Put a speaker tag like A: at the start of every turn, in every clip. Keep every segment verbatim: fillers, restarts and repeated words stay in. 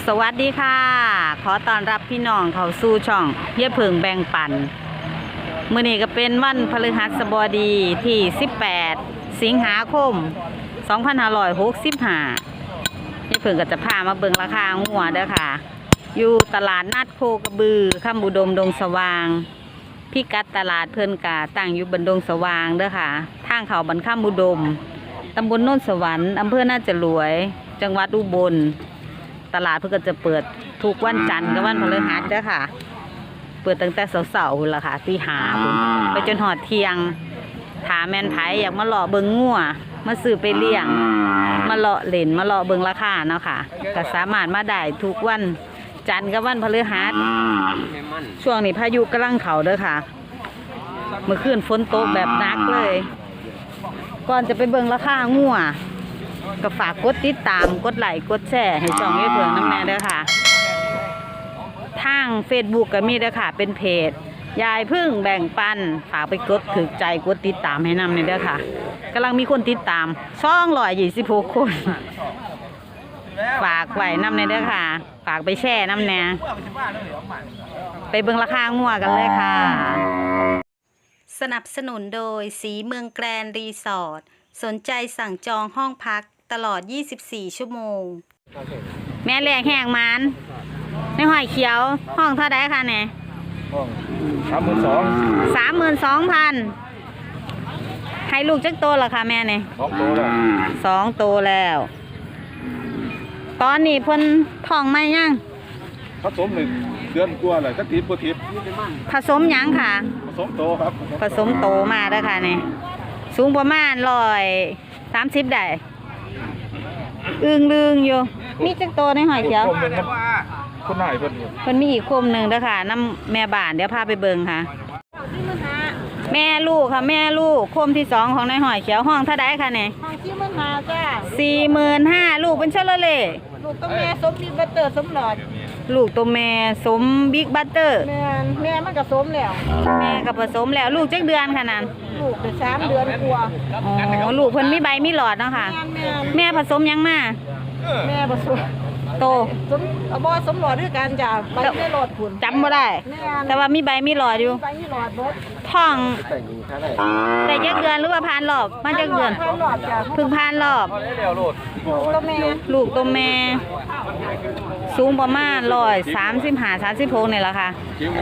A: สวัสดีค่ะขอต้อนรับพี่น้องเข้าสู่ช่องเยี่ยเพิงแบ่งปันมื้อนี้ก็เป็นวันพฤหัสบดีที่สิบแปดสิงหาคมสองพันห้าร้อยหกสิบห้าเยี่ยเพิงก็จะพามาเบิ่งราคางัวเด้อค่ะอยู่ตลาดนัดโคกระบือคำอุดมดงสว่างพิกัดตลาดเพิ่นกะตั้งอยู่บนดงสว่างเด้อค่ะทางเขาบันคำอุดมตำบลโนนสวรรค์อำเภอน่าจะรวยจังหวัดอุบลตลาดเพื่อจะเปิดทุกวันจันทร์กับวันพฤหัสเด้อค่ะเปิดตั้งแต่เสาร์ๆล่ะค่ะตีห้าไปจนหอดเที่ยงถามแม่นไผอยากมาเลาะเบิ่งงัวมาซื้อไปเลี้ยงมาเลาะเล่นมาเลาะเบิ่งราคาเนาะค่ะก็สามารถมาได้ทุกวันจันทร์กับวันพฤหัสช่วงนี้พายุกำลังเข้าเด้อค่ะเมื่อคืนฝนตกแบบหนักเลยก่อนจะไปเบิ่งราคางัวก็ฝากกดติดตามกดไลค์กดแชร์ให้ช่องเยี่ยเพิงน้ำแน่เด้อค่ะทาง เฟซบุ๊ก ก็มีเด้อค่ะเป็นเพจยายพึ่งแบ่งปันฝากไปกดถึกใจกดติดตามให้นำในเด้อค่ะกำลังมีคนติดตามสองร้อยยี่สิบหกคนฝากไว้นำในเด้อค่ะฝากไปแชร์น้ำแน่ไปเบิ่งราคางัวกันเลยค่ะสนับสนุนโดยสีเมืองแกรนด์รีสอร์ทสนใจสั่งจองห้องพักตลอดยี่สิบสี่ชั่วโมงแม่แหลกแหงมันในหอยเขียวห้องเท่าไดคะเนี่ย
B: สามหมื่นสอง
A: สามหมื่นสองพันให้ลูกจักโตเหรอคะแม่เนี่ย
B: สองโตแล้ว
A: สองโตแล้วตอนนี้เพิ่นท้องไม่ยัง
B: ผสมหนึ่งเดือนกว่าเลยสักทีปทิพ
A: ผสมยังค่ะ
B: ผสมโตครับ
A: ผสมโตมาแล้วค่ะเนี่ยสูงประมาณร้อยสามสิบได้อึ้งลึงอยู่มีจักโตในหอยเขียว
B: คนไหนเพิ่น
A: เพิ่นมีอีกคมหนึ่งเด้อค่ะน้ำแม่บ้านเดี๋ยวพาไปเบิ่งค่ะแม่ลูกค่ะแม่ลูกคมที่สองของในหอยเขียวห้องเท่าไดค่ะเนี่ย
C: ห้องสี่หมื่นห้าจ้า
A: สี่หมื่นห้าลูกเป็นเชลเล่
C: ลูกตัวแม่สมบิ๊กบัตเตอร์สมหลอด
A: ลูกตัวแม่สมบิ๊กบัตเตอร์
C: แม่แม่มันก็สมแล้ว
A: แม่ก็ผสมแล้วลูกจักเดือนค่ะนั่น
C: ลูกเป็นสามเดือนกว่า
A: อ๋อลูกเพิ่นมีใบมีหลอดเนาะค่ะแม่ผสมยังมา
C: แม่ผสม
A: โต
C: สมบอสมหลอดด้วยกันจ้ะใบไม่หลอดผุน
A: จำบ่ได้แต่ว่ามีใบมีหลอดอยู่
C: ใบมีหลอดบด
A: ท้องแต่ยักเดือนหรือว่าผ่านรอบมาจักเดือนเพิ่งผ่านรอบ
C: ตัวแม่
A: ลูกตัวแม่สูงประมาณร้อยสามสิบห้าสามสิบหกนี่แหละค่ะ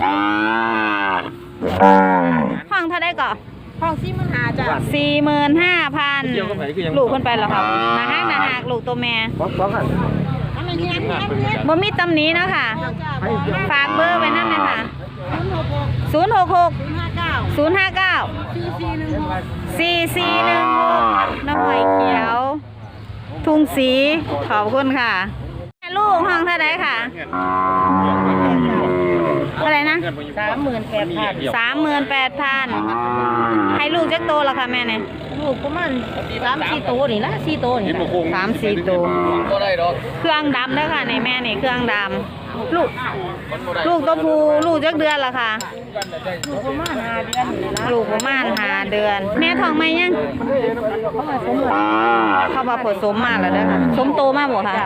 A: ห้องเท่าได้ก่อ
C: ห้องสี่หมื่นห้าจ้ะ
A: สี่หมื่นห้าพันลูกคนไปแล้วค่ะนาฮักนาฮักลูกตัวแม่บ่มีตำหนิเนาะค่ะฝากเบอร์ไว้นั่นเลยค่ะศูนย์หกหกศูนย์ห้าเก้าสี่สี่หนึ่งหกน้ำหอยเขียวทุ่งสีขอบคุณค่ะลูกห้องเท่าไรค่ะเท่าไรนะ
C: สามหมื่นแปดพัน
A: สามหมื่นแปดพันให้ลูกจักโตแล้วค่ะแม่เนี่ย
C: ลูกประมาณสามสี่โตนี่ละสี่โตนี่
A: สามสี่โตเครื่องดำด้วยค่ะในแม่นี่เครื่องดำลูกลูกตัวผู้ลูกจักเดือนละค่ะ
C: ลูกประมาณห้าเดือน
A: ลูกประมาณห้าเดือนแม่ท้องไหมยังเขามาผสมมาแล้วเด้อค่ะสมโตมากบ่ค่ะ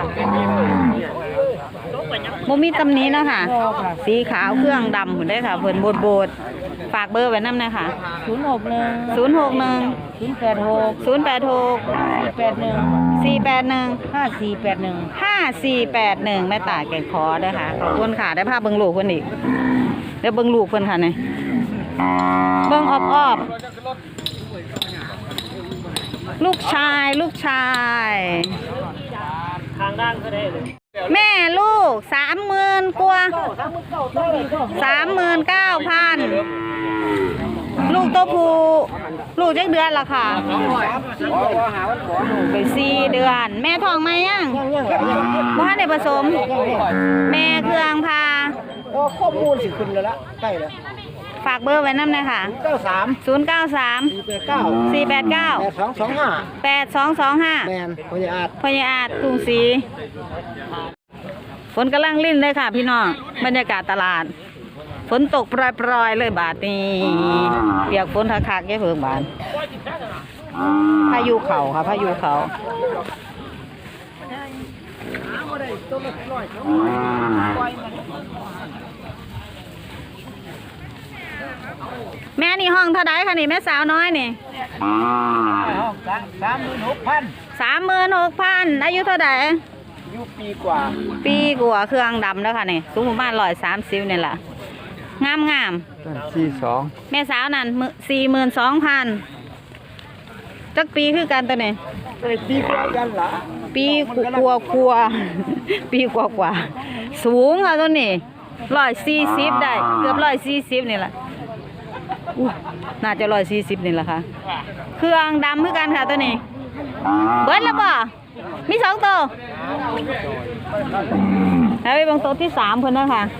A: โมมีตำนี้นะค่ะสีขาวเครื่องดำหุ่นได้ค่ะเพิ่นโบดโบดฝากเบอร์ไว้น้ำนะค่ะ
C: ศูนย์หกหนึ่ง
A: ศูนย์หกหนึ่ง
C: ศูนย์แปดหก
A: ศูนย์แปดหก
C: สี่แปดหนึ่ง
A: สี่แปดหนึ่ง
C: ห้าสี่แปดหนึ่ง
A: ห้าสี่แปดหนึ่งแม่ตาแก่คอเด้อค่ะขอบคุณค่ะได้ภาพเบิ้งลูกคนอีกเดี๋ยวเบิ้งลูกเพิ่นค่ะเนี่ยเบิ้งออบออบลูกชายลูกชาย
C: ทางด้านก็ได้เลย
A: แม่ลูกสามหมื่นกว่าสามหมื่นเก้าพันลูกตัวผู้ลูกจักเดือนละค่ะไปสี่เดือนแม่ท้องไหมยังว่าในผสมแม่เครื่องพา
C: ข้อมูลสิคุณเลยละใกล้แล้ว
A: ฝากเบอร์ไว้น้ำเลยค่ะ
C: เก้าสาม
A: ศูนย์เก้าสามสี่แปดเก้า
C: แปดสองสองห้า
A: แปดสองสองห้า
C: แมนพญาอาจ
A: พญาอาจทุ่งสีฝนกำลังลิ่นเลยค่ะพี่น้องบรรยากาศตลาดฝนตกปรอยๆเลยบาดนี้เปียกฝนทักคักแค่เพิ่งบานพายุเข่าค่ะพายุเข่าแม่นี่ห้องเท่าไดคะนี่แม่สาวน้อยนี่
D: สามหมื่นหกพัน
A: สามหมื่นหกพันอายุเท่าได
D: อายุปีกว่า
A: ปีกว่าเครื่องดำแล้วค่ะนี่สูงประมาณร้อยสามสิบนี่แหละงามงาม
D: สี่สอง
A: แม่สาวนั่นสี่หมื่นสองพันจักปีคือกันตัวนี้
D: ปีกว่ากันละ
A: ปีกว่ากว่า ปีกว่ากว่าสูงค่ะตัวนี้ร้อยสี่สิบได้เกือบร้อยสี่สิบนี่แหละอู้น่าจะร้อยสี่สิบนี่แหละค่ะเครื่องดำคือกันค่ะตัวนี้เบิร์ดแล้วป่ะมีสองตัวแล้วไปเบางตัวที่สามเพิ่นนะค่ะ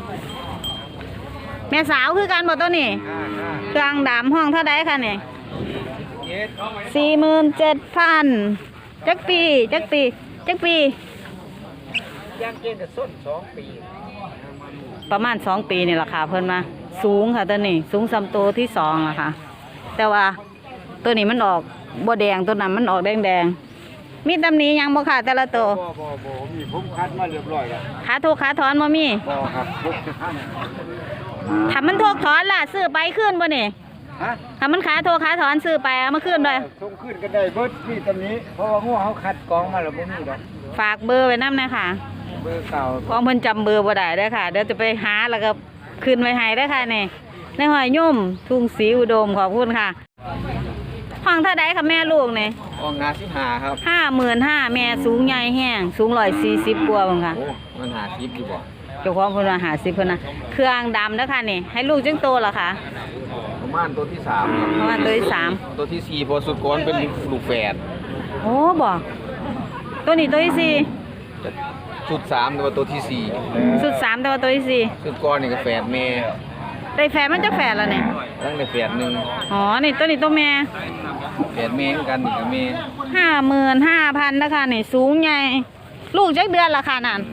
A: แม่สาวคือกันหมดตัวนี้เครื่องดำห้องเท่าไดค่ะนี่สี่หมื่นเจ็ดพันจักปีจักปีจักปี
D: ย่างเกณฑ์จะส้นสองปี
A: ประมาณสองปีนี่แหละค่ะเพิ่นมาสูงค่ะตัวนี้สูงสามตัวที่สองอะค่ะ แต่ว่าตัวนี้มันออกบัวแดงตัวนั้นมันออกแดงแดงๆมีตำหนิหยังบ่ค่ะแต่ละตัว
D: บ่บ่บ่มีผมคัดมาเรียบร้อยแล้ว
A: ขาทุกขาถอนบ่มี
D: บ่ครับพกท่าน
A: ถ้ามันทุกถอนล่ะซื้อไปขึ้นบ่นี่
D: ฮะ
A: ถ้ามันขาทุกขาถอนซื้อไปเอามาขึ้นเลย
D: ส่งขึ้นก็ได้เบิดที่ตำนี้เพราะว่างูเขาคัดกรองมาแล้วบ่มีดอก
A: ฝากเบอร์ไว้นำนะค่ะ
D: เบอร์เก่า
A: เพราะเพิ่นจำเบอร์บ่ได้เด้อค่ะเดี๋ยวจะไปหาแล้วก็ขึ้นไว้ให้เด้อค่ะนี่ในหอยยุ่มทุ่งศรีอุดมขอบคุณค่ะห้องเท่าใดค่ะแม่ลูกนี่
D: ออกงานสิหาครับ
A: ห้าหมื่นห้าแม่สูงใหญ่แห้งสูงร้อยสี่สิบกว่าบังค่ะ
D: โอ้มันหาคลิปอยู่บ่
A: เจ้าของเพิ่นว่าหาสิบเพิ่นนะเครื่องดำแล้วค่ะนี่ให้ลูกจึงโตเหรอคะ
D: ประมาณตัวที่สามครับ
A: ประมาณตัวที่สาม
D: ตัวที่สี่พอสุดก้อนเป็นลูกแฝด
A: โอ้บ่ตัวนี้ตัวที่สี่
D: ชุดสามตัวตัวที่สี่
A: สุดสามแต่ว่าตัวที่สี่
D: ชุดก้อนนี่ก็แฝดแม่
A: ได้แฝดมันจะแฝดแล้วเนี่ย
D: ตั้งแต่แฝดหนึ่ง
A: อ๋อนี่ตัวนี้ตัวแม่
D: แฝดแม่เหมือนกันนี่ก็แม่
A: ห้าหมื่นห้าพันนะคะนี่สูงใหญ่ลูกจักเดือนละค่ะนั่น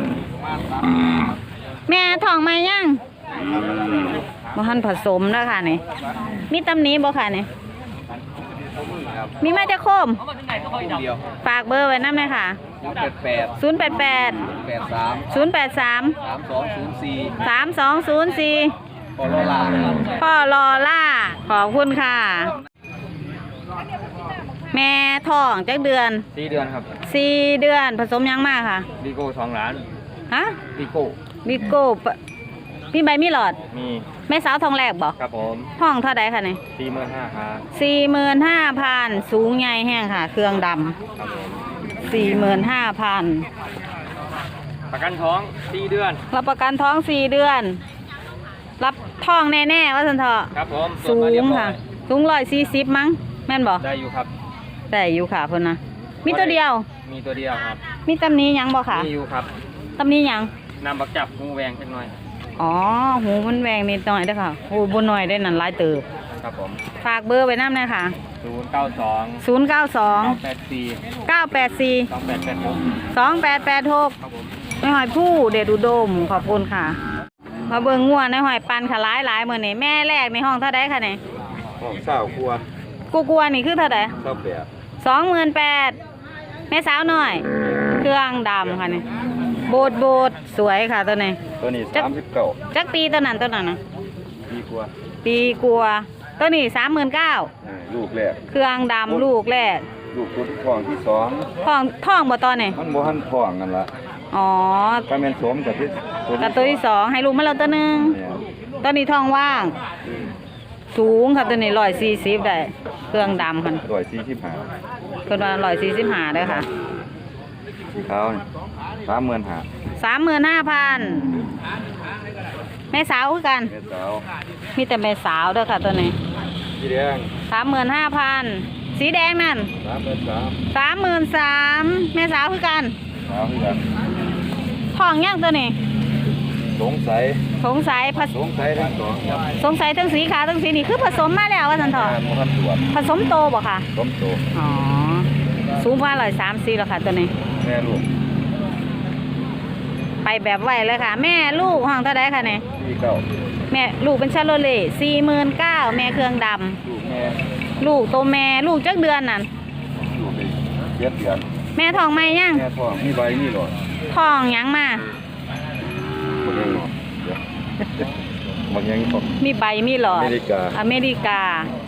A: แม่ท้องไหมยังบ่ทันผสมนะคะนี่มีตำหนิบ่ค่ะนี่
D: ครับ
A: มีแม่จะโคม
D: คนเดียว
A: ฝากเบอร์ไว้นำเลยค่ะ
D: ศูนย์แปดแปด
A: ศูนย์แปดแปด
D: แปดสาม
A: ศูนย์แปดสาม
D: สามสองศูนย์สี่
A: สามสองศูนย์สี่
D: พอโลลาครับ
A: พ่อรอล่าขอบคุณค่ะ แม่ท้องจักเดือน
D: สี่เดือนครับ
A: สี่เดือนผสมยังมากค่ะ
D: ดีโก้สองล้าน
A: ฮะ
D: ดีโก้
A: บิโก้ปะมีใบมีหลอด
D: มี
A: แม่สาวทองแรกบอก
D: ครับผม
A: ห้องเท่าใดค่ะนี่
D: สี่หมื่นห้าครับ
A: สี่หมื่นห้าพันสูงใหญ่แห้งค่ะ เครื่องด
D: ครับผม
A: ำสี่หมื่นห้าพัน
D: ประกันท้องสี่เดือน
A: รับประกันท้องสี่เดือน รับท้องแน่ๆว่าสันเถอะ
D: ครับผม
A: สูงค่ะ สูงร้อยสี่สิบมั้งแม่นบอก
D: ได้อยู่ครับ
A: แต่อยู่ค่ะเพิ่นนะมีตัวเดียว
D: มีตัวเดียวครับ
A: มีตำหนี้ยังบ่ค่ะ
D: มีอยู่ครับ
A: ตำหนี้ยัง
D: นำบักจับงูแวงสักหน่อย
A: อ๋อหูมันแหวงนิดหน่อยเด้อค่ะหูบนหน่อยได้นั่นหลายเติบ
D: ครับผม
A: ฝากเบอร์ไว้นำเลยค่ะ
D: ศูนย์เก้าสอง
A: ศูนย์ เก้า สอง
D: แปดสี่
A: เก้า แปด สี่
D: สองแปดแปดหก
A: สอง แปด แปด หก
D: ครับผม
A: ในหอยผู้เดชอุดมขอบคุณค่ะ มาเบิ่งงัวในหอยปันค่ะหลายหลายๆมื้อนี้แม่แรกในห้องเท่าใดค่ะนี่
B: ห้องเศร้าครัว
A: กูกลัวนี่คือเท่าใด
B: เศร้าแปด
A: สองหมื่นแปดแม่สาวหน่อย เครื่องดำค่ะนี่โบดโบดสวยค่ะตัวนี้
B: ตัวนี้สามสิบเก้า
A: จักปีตัวนั้นตัวนั้นนะ
B: ปีกว่า
A: ปีกลัวตัวนี้สามหมื่นเก้า
B: เออลูกแรก
A: เครื่องดำลูกแรก
B: ลูกตัวที่ทองที่สอง
A: ท้องท้องบ่ตอนนี่
B: มันโมหันทองกันละ
A: อ๋อ
B: ถ้าแม่นสมกับที่ตัว
A: กับตัวที่สองให้ลูกมาแล้วตัวหนึง
B: เนี่ย
A: ตัวนี้ท้องว่าง สูงค่ะตัวนี้ร้อยสี่สิบได้ เครื่องดำค่ะ
B: ร้อยสี่สิบห้า
A: เพิ่นว่าร้อยสี่สิบห้าเด้อค่ะ
B: สีขาวสามหมื่นห้า
A: สามหมื่นห้าพันแม่สาวคือกัน
B: เมสาว
A: มีแต่แม่สาวเด้อค่ะตัวนี้
B: สีแดง
A: สามหมื่นห้าพันสีแดงนั่น
B: สามหมื่นสาม
A: สามหมื่นสามแม่สาวคือกัน
B: สาวเหมือนกัน
A: ท้องย่างตัวนี้
B: สงสัย
A: สงสัยผส
B: สงสัยทั้งสองครับ
A: สงสัยทั้งสีขาวทั้งสีนี่คือผสมมาแล้วว่าสันเถอะ
B: โมหันตรวจ
A: ผสมโตบ่ค่ะ
B: สมโต
A: อ๋อสูงว่าร้อยสามสี่แล้วค่ะตัวนี้
B: แม่ลูก
A: ไปแบบไวเลยค่ะ แม่ลูกห้องเท่าไดค่ะเนี่ย
B: ปีเก้า
A: แม่ลูกเป็นชาโลเล่สี่หมื่นเก้าแม่เครื่องด
B: ลูกแม่
A: ำลูกโตแม่ลูกจักเดือนนั่น
B: ลูกเจ็ดเดือน
A: แม่ท้องไหมยัง
B: แม่ท้องมีใบมีหลอด
A: อท้องหยังมา
B: บางอย่างของ
A: มีใบมีหลอด
B: อเมริกา
A: อเมริกา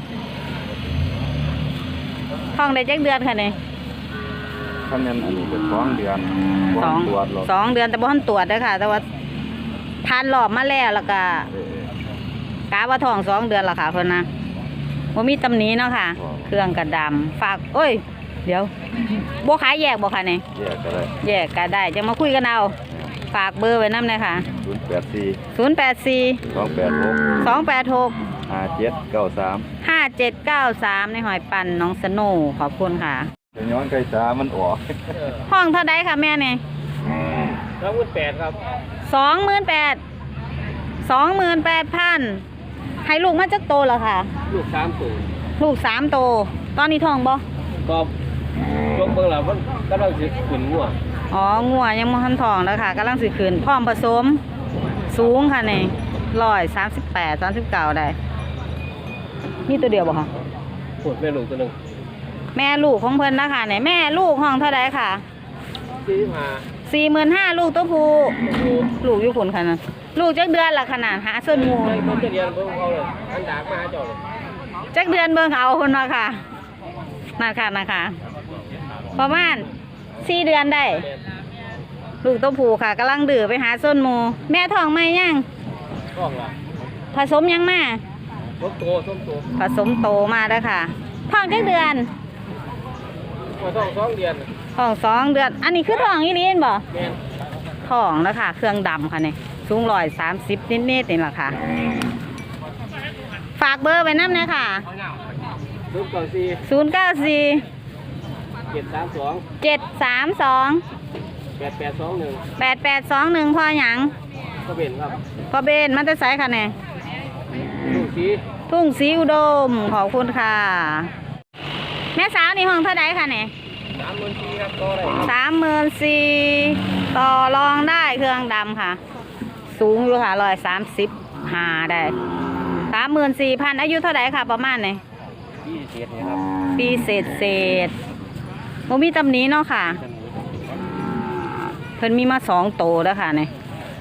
A: ท้องได้จักเดือนค่ะเนี่ย
B: ท่านนั้นอันนี้เป็นสองเดือน
A: สอง
B: ตรวจหรอก
A: สองเดือนแต่บ่ทันตรวจเด้อค่ะ แต่ว่าทานรอบมาแล้วแล้วก็
B: เออก
A: าว่าท้องสองเดือนและค่ะเพิ่นนะบ่มีตำหนิเนาะค่ะ เครื่องกระดำฝากโอ้ย เดี๋ยวบ่ขายแยกบ่ค่ะเนี่ย
B: แยกก็ได้
A: แยกก็ได้จะมาคุยกันเอาฝากเบอร์ไว้นำเลยค่ะ
B: ศูนย์แปดสี่
A: ศูนย์แปดสี่
B: สองแปดหก
A: สองแปดหก
B: ห้าเจ็ดเก้าสาม
A: ห้าเจ็ดเก้าสามในหอยปันน้องสโนว์ขอบคุณค่ะ
B: เดี๋ยวย้อนไก่ตามันออก
A: ห้องเท่าไดค่ะแม่เนี่ย
D: สองหมื่นแปดครับ
A: สองหมื่นแปดสองหมื่นแปดพันให้ลูกมาจักโตแล้วค่ะ
D: ลูกสามตัว
A: ลูกสามโต ตอนนี้ท้องบ่
D: ก็ช่วงเบิ่งแล้วมันกำลังสิขึ้นงัว
A: อ๋องัวยังบ่ทันท้องแล้วค่ะกำลังสิขึ้นพร้อมผสม สูงค่ะนี่ร้อยสามสิบแปดสามสิบเก้าได้มีตัวเดียวบ่ค่ะ
D: ปวดแม่ลูกตัวหนึง
A: แม่ลูกของเพิ่นนะคะเนี่ยแม่ลูกห้องเท่าไดค่ะ
D: สี่สิบห้า
A: สี่หมื่นห้าลูกตัวผู้
D: ลูก
A: ลูกอยู่คนขนาดลูกจักเดือนละขนาดหาส่วนหมู
D: ในต้นเรียนเบิ่งเขาเลยอันดากมาหาเจ้าเลย
A: จักเดือนเบิ่งเอาคนมาค่ะนั่นค่ะนะคะประมาณสี่เดือนได้ ลูกตัวผู้ค่ะกำลังดื้อไปหาส้นหมู แม่ท้องไหมยัง
D: ท้องละ
A: ผสมยังมา
D: ส้มโตส้มโต
A: ผสมโตมาแล้วค่ะท้องจักเดือน
D: มาท้องสองเดือน
A: ท้องสองเดือน อันนี้คือท้องอีลีนบ่
D: แม่น
A: ท้องแล้วค่ะ เครื่องดำค่ะเนี่ยสูงร้อยสามสิบนิดๆนี่แหละค่ะ ฝากเบอร์ไว้น้ำเลยค่ะ
D: ลูกก่อนสี่
A: ศูนย์เก้าสี่
D: เจ็ดสามสอง
A: เจ็ดสามสอง
D: แปดแปดสองหนึ่ง
A: แปดแปดสองหนึ่งพอหยัง
D: ก็เป็นครับ
A: พอเบนมันจะใส่ค่ะเนี่ย
D: ลูกสี
A: ทุ่งสีอุดมขอบคุณค่ะ แม่สาวนี่ห้องเท่าไดค่ะเนี่ย
D: สามหมื่นสี่ครับก็ได้
A: สามหมื่นสี่ต่อรองได้เครื่องดำค่ะ สูงอยู่ค่ะร้อยสามสิบห้าได้สามหมื่นสี่พันอายุเท่าไดค่ะ ประมาณไหน
D: ยี่สิบเจ็ดนะครับ
A: ปีเศษเศษโมมีตำหนี้เนาะค่ะ เพิ่นมีมาสองโตแล้วค่ะเนี่ย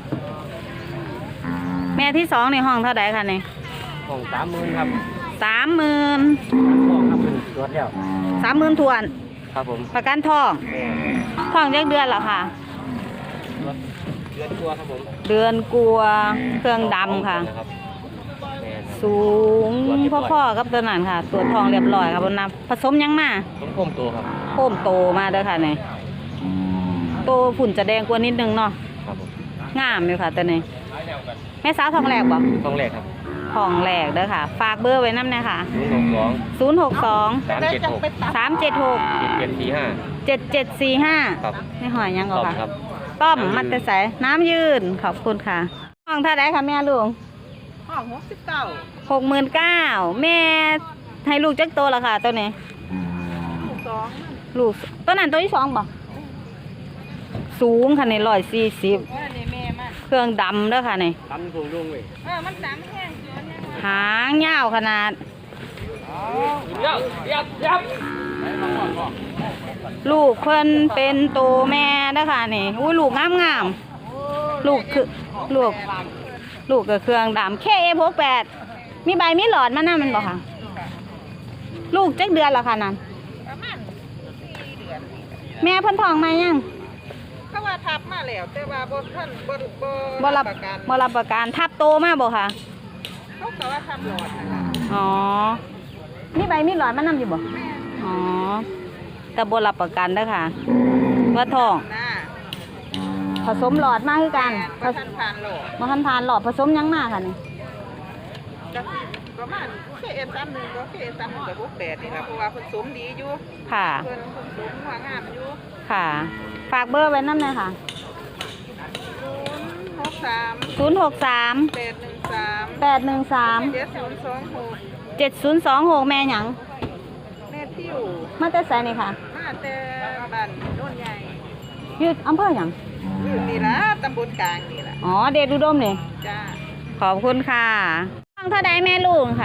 A: แม่ที่สองในห้องเท่าไดค่ะเนี่ย
D: ของสามหมื่นครับ
A: สามหมื่น
D: ท้องครับตรวจแล้ว
A: สามหมื่นทวน
D: ครับผม
A: ประกันทอง
D: แม่
A: ทองยักเดือนเหรอค่ะ
D: เดือนตัวครับผม
A: เดือนกลัวเครื่องดำค่ะ
D: นะครับแม่
A: สูงพ่อๆกับตัวนั้นค่ะ ตัวทองเรียบร้อยค่ะบนน้ำผสมยังมา
D: ต้มโคมตัวครับ
A: โค้มโตมาเด้อค่ะเนี่ยโตฝุ่นจะแดงกว่านิดนึงเนาะ
D: ครับผม
A: งามอยู่ค่ะตัวนี้แม่สาวทองแหลกบ่
D: ท้องแรกครับ
A: ทองแหลกเด้อค่ะ ฝากเบอร์ไว้น้ำเนี่ยค่ะ
D: ศูนย์หกสอง
A: ศูนย์หกสอง
D: สามเจ็ดหก
A: สามเจ็ดหก
D: เจ็ดเจ็ดสี่ห้า
A: เจ็ดเจ็ดสี่ห้า
D: ครับ
A: ไม่หอยยัง
D: ต้
A: ก็
D: อม
A: ค่ะ
D: ครับ
A: ต้อมมัตตใสน้ำยืนขอบคุณค่ะห้องเท่าไรคะแม่ลุง
C: ห้องหกสิบเก้า
A: หกหมื่นเก้าแม่ให้ลูกจักโตละค่ะตัวนี้
C: ลูกสอง
A: ลูกตัวนั้นตัวที่สองบ่สูงค่ะในร้อยสี่สิบ
C: ว่าในแม่มัน
A: เครื่องดำเด้อค่ะนี่
D: ตั้มสูงลุงเว้ย
C: เออมันสามแห้งเกินเนี่ย
A: หางยาวขนาด
D: เยับยับยับ
A: ลูกเพิ่นเป็นโตแม่เด้อค่ะนี่อุ้ยลูกงามงามๆลูกคือลูก ลูกกับเครื่องดำแค่เอพกแปดมีใบมีหลอดมานั่นมันบอกค่ะ ลูกจักเดือนละค่ะนั่น
C: ประมาณสี่เดือน
A: แม่เพิ่นท้องมายัง
C: เขาว่าทับมาแล้วแต่ว่าบ่ท่านบ่บ่
A: บ่รับ
C: ประกัน
A: บ่รับประกันทับโตมาบ่ค่ะ
C: เขาก็ว่าทำหลอดนะคะ
A: อ๋อมีใบมีหลอดมานั่อยู่บ่อ๋อแต่บ่รับประกันเด้อค่ะ ว่าท้อง
C: หน้า
A: ผสมหลอดมาคือกัน
C: บ่ทันผ่านหลอด
A: มาทันทานหลอดผสมยังมาค่ะนี่
C: ก็สิประมาณเคเอสามหนึ่งก็เคเอสามหนึ่งกับพวกแปดนี่ล่ะเพราะว่าผสมดีอยู่
A: ค่ะ
C: เพิ่นผสมหัวงามอยู่
A: ค่ะ ฝากเบอร์ไว้นำหน่อยค่ะ
C: ศูนย์หกสาม
A: ศูนย์หกสาม
C: แปดหนึ่งสาม
A: แปดหนึ่งสาม
C: เจ็ดศูนย์สองหก
A: เจ็ดศูนย์สองหกแม่หยัง
C: แม่ทิว
A: มาแต่ไสนี่ค่ะ
C: มาแต่บ้านโน่นใหญ่
A: อยู่อำเภอหยัง
C: อยู่นี่ล่ะตำบลกลางนี่ล่ะ
A: อ๋อ เดชอุดมนี่
C: จ้า
A: ขอบคุณค่ะฟังเท่าใดแม่ลูกค่ะ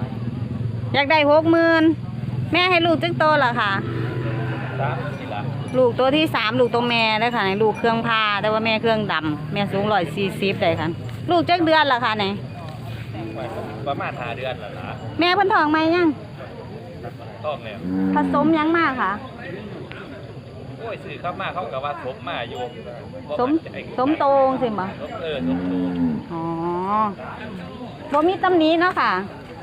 A: อยากได้หกหมื่นแม่ให้ลูกจึงโตเหรอค่ะ
D: สามสี่ละ
A: ลูกตัวที่สามลูกตัวแม่ได้ค่ะลูกเครื่องพาแต่ว่าแม่เครื่องดำแม่สูงร้อยสี่สิบได้ค่ะลูกจักเดือนละค่ะไหน
E: ประมาณห้าเดือนแล้วล่ะ
A: แม่เพิ่นท้องไหมยัง
E: ท้องแล้ว
A: ผสมยังมากค่ะ
E: โอ้ยสื่อเข้ามาเขากับว่าสมมาอยู่
A: สมสมโตงสิบ่
E: สมเออสมโต
A: อ๋อบ่มีตำหนิเนาะค่ะ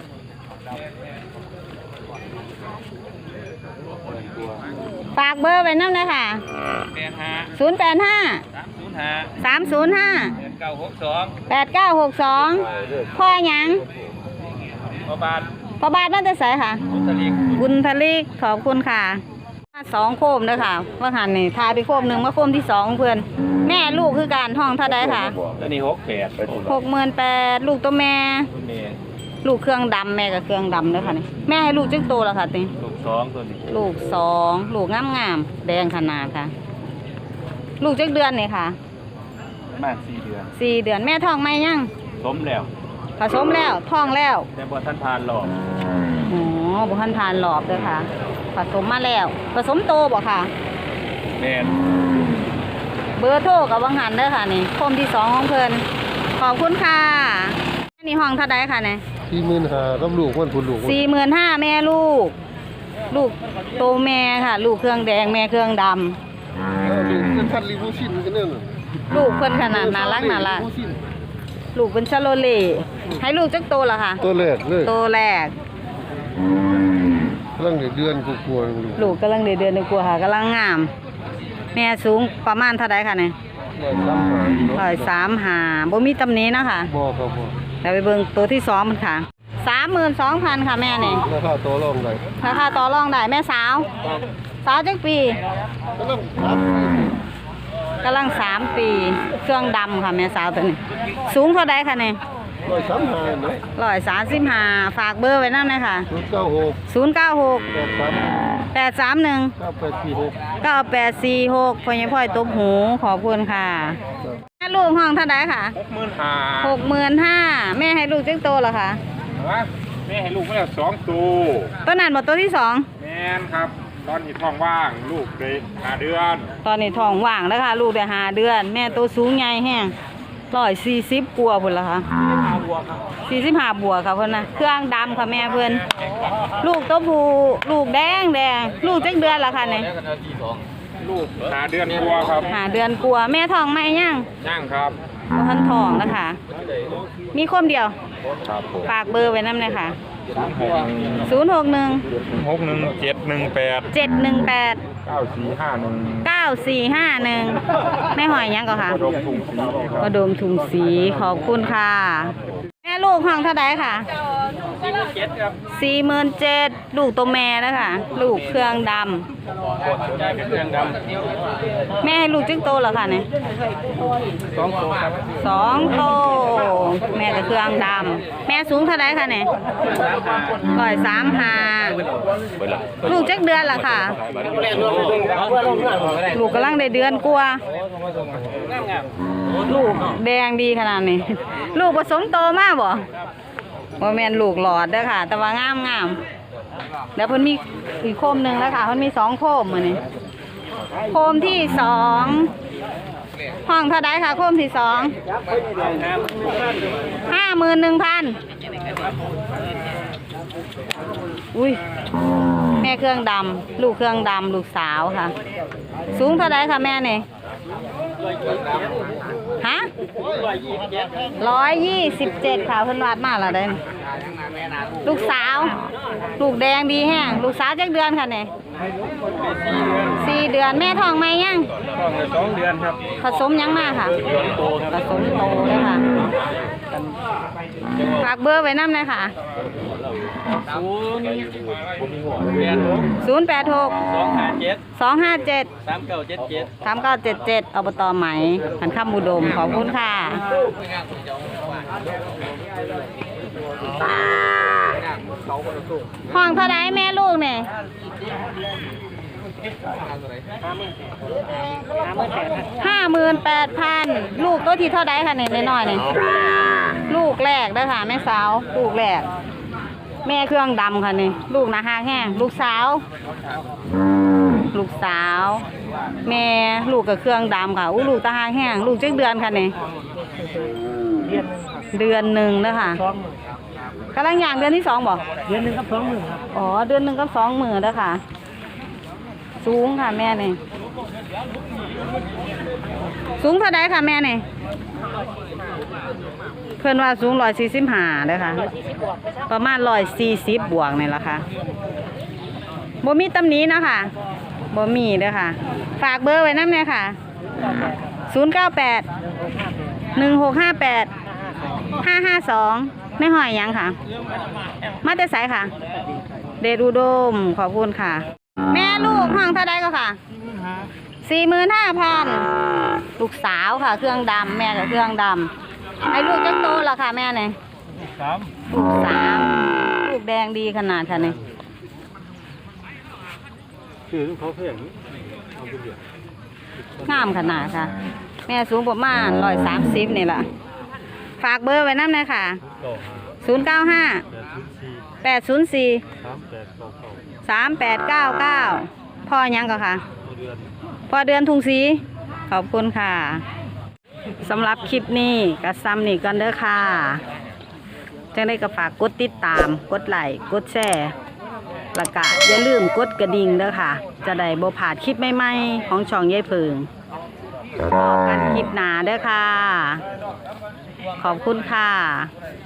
A: ฝากเบอร์ไว้นำเลยค่ะ
E: แปดห้า
A: ศูนย์ แปด ห้า
E: สามศูนย์ห้า
A: สาม ศูนย์ ห้า
E: เก้าหกสอง
A: แปด เก้า หก สองพ่อหยัง
E: ประบาท
A: พ่อบาทมาแต่ไสค่ะ
E: อุตริก
A: บุญทลิกขอบคุณค่ะสองโคมเด้อค่ะว่าหันนี่ทายไปโคมหนึ่งมาโคมที่สองเพื่อนแม่ลูกคือการห้องเท่าใดค่ะ
E: ตัวนี้หกแปด
A: หกหมื่นแปดลูกตัวแม่
E: ตัวนี้
A: ลูกเครื่องดำแม่กับเครื่องดำเด้อค่ะนี่แม่ให้ลูกจึงโตแล้วค่ะติ
E: ลูกสองตัวนี้
A: ลูกสองลูกงามงามๆแดงขนาดค่ะ ลูกจักเดือนนี่ค่ะ
E: ประมาณสี่เดือน
A: สี่เดือนแม่ท้องไหมยัง
E: สมแล้ว
A: ผสมแล้วท้องแล้ว
E: แต่บ่ท่านผ่านหรอก
A: อ๋อบุคันทานหลอบเด้อค่ะ ผสมมาแล้ว ผสมโตบ่ค่ะ
E: แม่น
A: เบอร์โทรกับวังหันเด้อค่ะนี่โคมที่สองของเพิ่นขอบคุณค่ะอันนี้ห้องเท่าใดค่ะเนี่ย
B: สี่หมื่นห้ากับลูกมันพุ่นลูก
A: สี่หมื่นห้าแม่ลูก ลูกโตแม่ค่ะ ลูกเครื่องแดงแม่เครื่องดำ
B: ลูกเป็นพันลิมูซินกันเนี่ย
A: ลูกเพิ่นขนาดน่ารักน่ารักลูกเป็นชาโลเล่ให้ลูกจักโตแล้วค่ะ
B: ตัวแรกเลย
A: โตแรก
B: กำลังเดือนกลัวๆลูก
A: ลูกกำลังเดือนเดือนกว่าค่ะกำลังงาม แม่สูงประมาณเท่าใดค่ะเนี่ย
B: ร้อยสามหา
A: ร้อยสามหาบ่มีตำหนินะคะ
B: บ่ครับบ่
A: เราไปเบิ่งตัวที่สองมันค่ะสามหมื่นสองพันค่ะแม่นี่
B: ราคาตัวรองได้
A: ราคาต่อรองได้แม่สาว สาวจักปี
B: กำลังครับ
A: กำลังสามปี เครื่องดำค่ะแม่สาวตัวนี้ สูงเท่าใดค่ะเนี่ย
B: ร้อยสามหาเนาะ
A: ร้อยสามสิบห้าฝากเบอร์ไว้นั่นเลยค่ะ
B: ศูนย์เก้าหก
A: ศูนย์เก้าหก
B: แปดสาม
A: แปดสามหนึ่ง
B: เก้าแปดสี่หก
A: เก้าแปดสี่หกพ่อยังพ่อยตบหูขอบคุณค่ะแม่ลูกห้องเท่าใดค่ะ
E: หกหมื่นห้า
A: หกหมื่นห้าแม่ให้ลูกจักโตเหรอคะ
E: แม่ให้ลูกมาแล้วสองตัว
A: ตัวนั้นหมดตัวที่สอง
E: แม่นครับ ตอนนี้ท้องว่างลูกเลยห้าเดือน
A: ตอนนี้ท้องว่างแล้วค่ะ ลูกได้ห้าเดือน แม่ตัวสูงใหญ่แห้งร้อยสี่สิบกว่าพุ่นละค่ะสี่สิบห้าบวกค่ะเพิ่นนะเครื่องดำค่ะแม่เพิ่นลูกตัวผู้ลูกแดงแดงลูกจักเดือนละค่ะเนี่ย
E: ลูกห้าเดือนกว่าครับ
A: ห้าเดือนกว่าแม่ท้องไหมยัง
E: ย่างครับ
A: บ่ทันท้องแล้วค่ะ มีคนเดียว
E: ครับผม
A: ฝากเบอร์ไว้นำเลยค่ะศูนย์หกหนึ่ง
E: หกหนึ่งเจ็ดหนึ่งแปด
A: เจ็ดหนึ่งแปด
E: เก้าสี่ห้าหนึ่ง
A: เก้าสี่ห้าหนึ่งแม่หอยยังก็ค่ะ
E: ดมถุงสีครับ
A: กระดมถุงสีขอบคุณค่ะ แม่ลูกห้องเท่าไดค่ะ
E: เจ็ดครับ
A: สี่หมื่นเจ็ดลูกตัวแม่แล้วค่ะ ลูกเครื่องด
E: กดได้เป็นเครื่องด
A: ำแม่ให้ลูกจึงโตแล้วค่ะเนี่ย
E: ำสองตัวครับ
A: สองโตแม่กับเครื่องดำแม่สูงเท่าไดค่ะเนี่ยร้อยสามหาลูกจักเดือนละค่ะ ลูกกำลังได้เดือนกว่าลูกแดงดีขนาดนี้ ลูกผสมโตมากบ่บ่แม่นลูกหลอดเด้อค่ะ แต่ว่างามงามเดี๋ยวเพิ่นมีอีกโคมหนึ่งแล้วค่ะเพิ่นมีสองโคมมื้อนี้โคมที่สองห้องเท่าไดค่ะโคมที่สองห้าหมื่นหนึ่งพันอุ้ยแม่เครื่องดำลูกเครื่องดำลูกสาวค่ะ สูงเท่าไดค่ะแม่เนี่ยฮะร้อยยี่สิบเจ็ดค่ะเพิ่นวาดมาแล้วเด้อลูกสาว ลูกแดงดีแห้งลูกสาวจักเดือนค่ะเนี่ยสี่เดือนแม่ท้องไหมยัง
E: ท้องเลยสองเดือนครับ
A: ผสมยังมาค่ะผสมโตเลยค่ะฝากเบอร์ไว้น้ำเลยค่ะ
E: ศูนย์แปดหก
A: ศูนย์แปดหก
E: สองห้าเจ็ด
A: สองห้าเจ็ด
E: สามเก้าเจ็ดเจ็ด
A: สามเก้าเจ็ดเจ็ดอบตไหมหันข้ามบุดมขอบคุณค่ะห้องเท่าไรแม่ลูกเนี่ยห้าหมื่นแปดพันลูกตัวที่เท่าไรค่ะเนี่ยน้อยๆเนี่ยลูกแรกเด้อค่ะแม่สาวลูกแรกแม่เครื่องดำค่ะนี่ลูกนะฮะแห้งลูกสาว ลูกสาวแม่ลูกกับเครื่องดำค่ะอู้ลูกตาหางแห้งลูกจักเดือนค่ะนี่
D: เดือนหนึ่งครับ
A: เดือนหนึ่งเด้อค่ะ
D: สองหมื่น
A: กำลังย่างเดือนที่สองบ่
D: เดือนหนึ่งครับสองหมื่นครับ
A: อ๋อเดือนหนึ่งกับสองหมื่นเด้อค่ะ สูงค่ะแม่นี่สูงเท่าใดค่ะแม่นี่เพื่อนว่าสูงร้อยสี่สิบห้าเด้อค่ะ ประมาณร้อยสี่สิบบวกนี่แหละค่ะบ่มีตำหนี้นาะค่ะบ่มีเด้อค่ะ ฝากเบอร์ไว้น้ำเนี่ยค่ะศูนย์เก้าแปดหนึ่งหกห้าแปดห้าห้าสองไม่หอยหยังค่ะ มาแต่ไสค่ะ เดชอุดมขอบคุณค่ะ แม่ลูกห้องเท่าใดก็ค่ะสี่หมื่นห้าพันลูกสาวค่ะ เครื่องดำแม่กับเครื่องดำไอ้ลูกจังโตละค่ะแม่เนี่ย
D: สาม
A: ลูกสามลูกแดงดีขนาดค่ะเนี่ย
B: คือเขาเพียงเอาไปเดียว
A: งามขนาดค่ะ แม่สูงประมาณร้อยสามสิบนี่แหละฝากเบอร์ไว้น้ำเลยค่ะศูนย์เก้าห้าแปดศูนย์สี่สามแปดเก้าเก้าพ่อยังก็ค่ะพ่อเดือนทุงสีขอบคุณค่ะสำหรับคลิปนี้ก็ซ้ำนี่กันเด้อค่ะจังได้ก็ฝากกดติดตามกดไลค์กดแชร์แล้วก็อย่าลืมกดกระดิ่งเด้อค่ะ จะได้บ่พลาดคลิปใหม่ๆของช่องยายเพิงพบกันคลิปหน้าเด้อค่ะ ขอบคุณค่ะ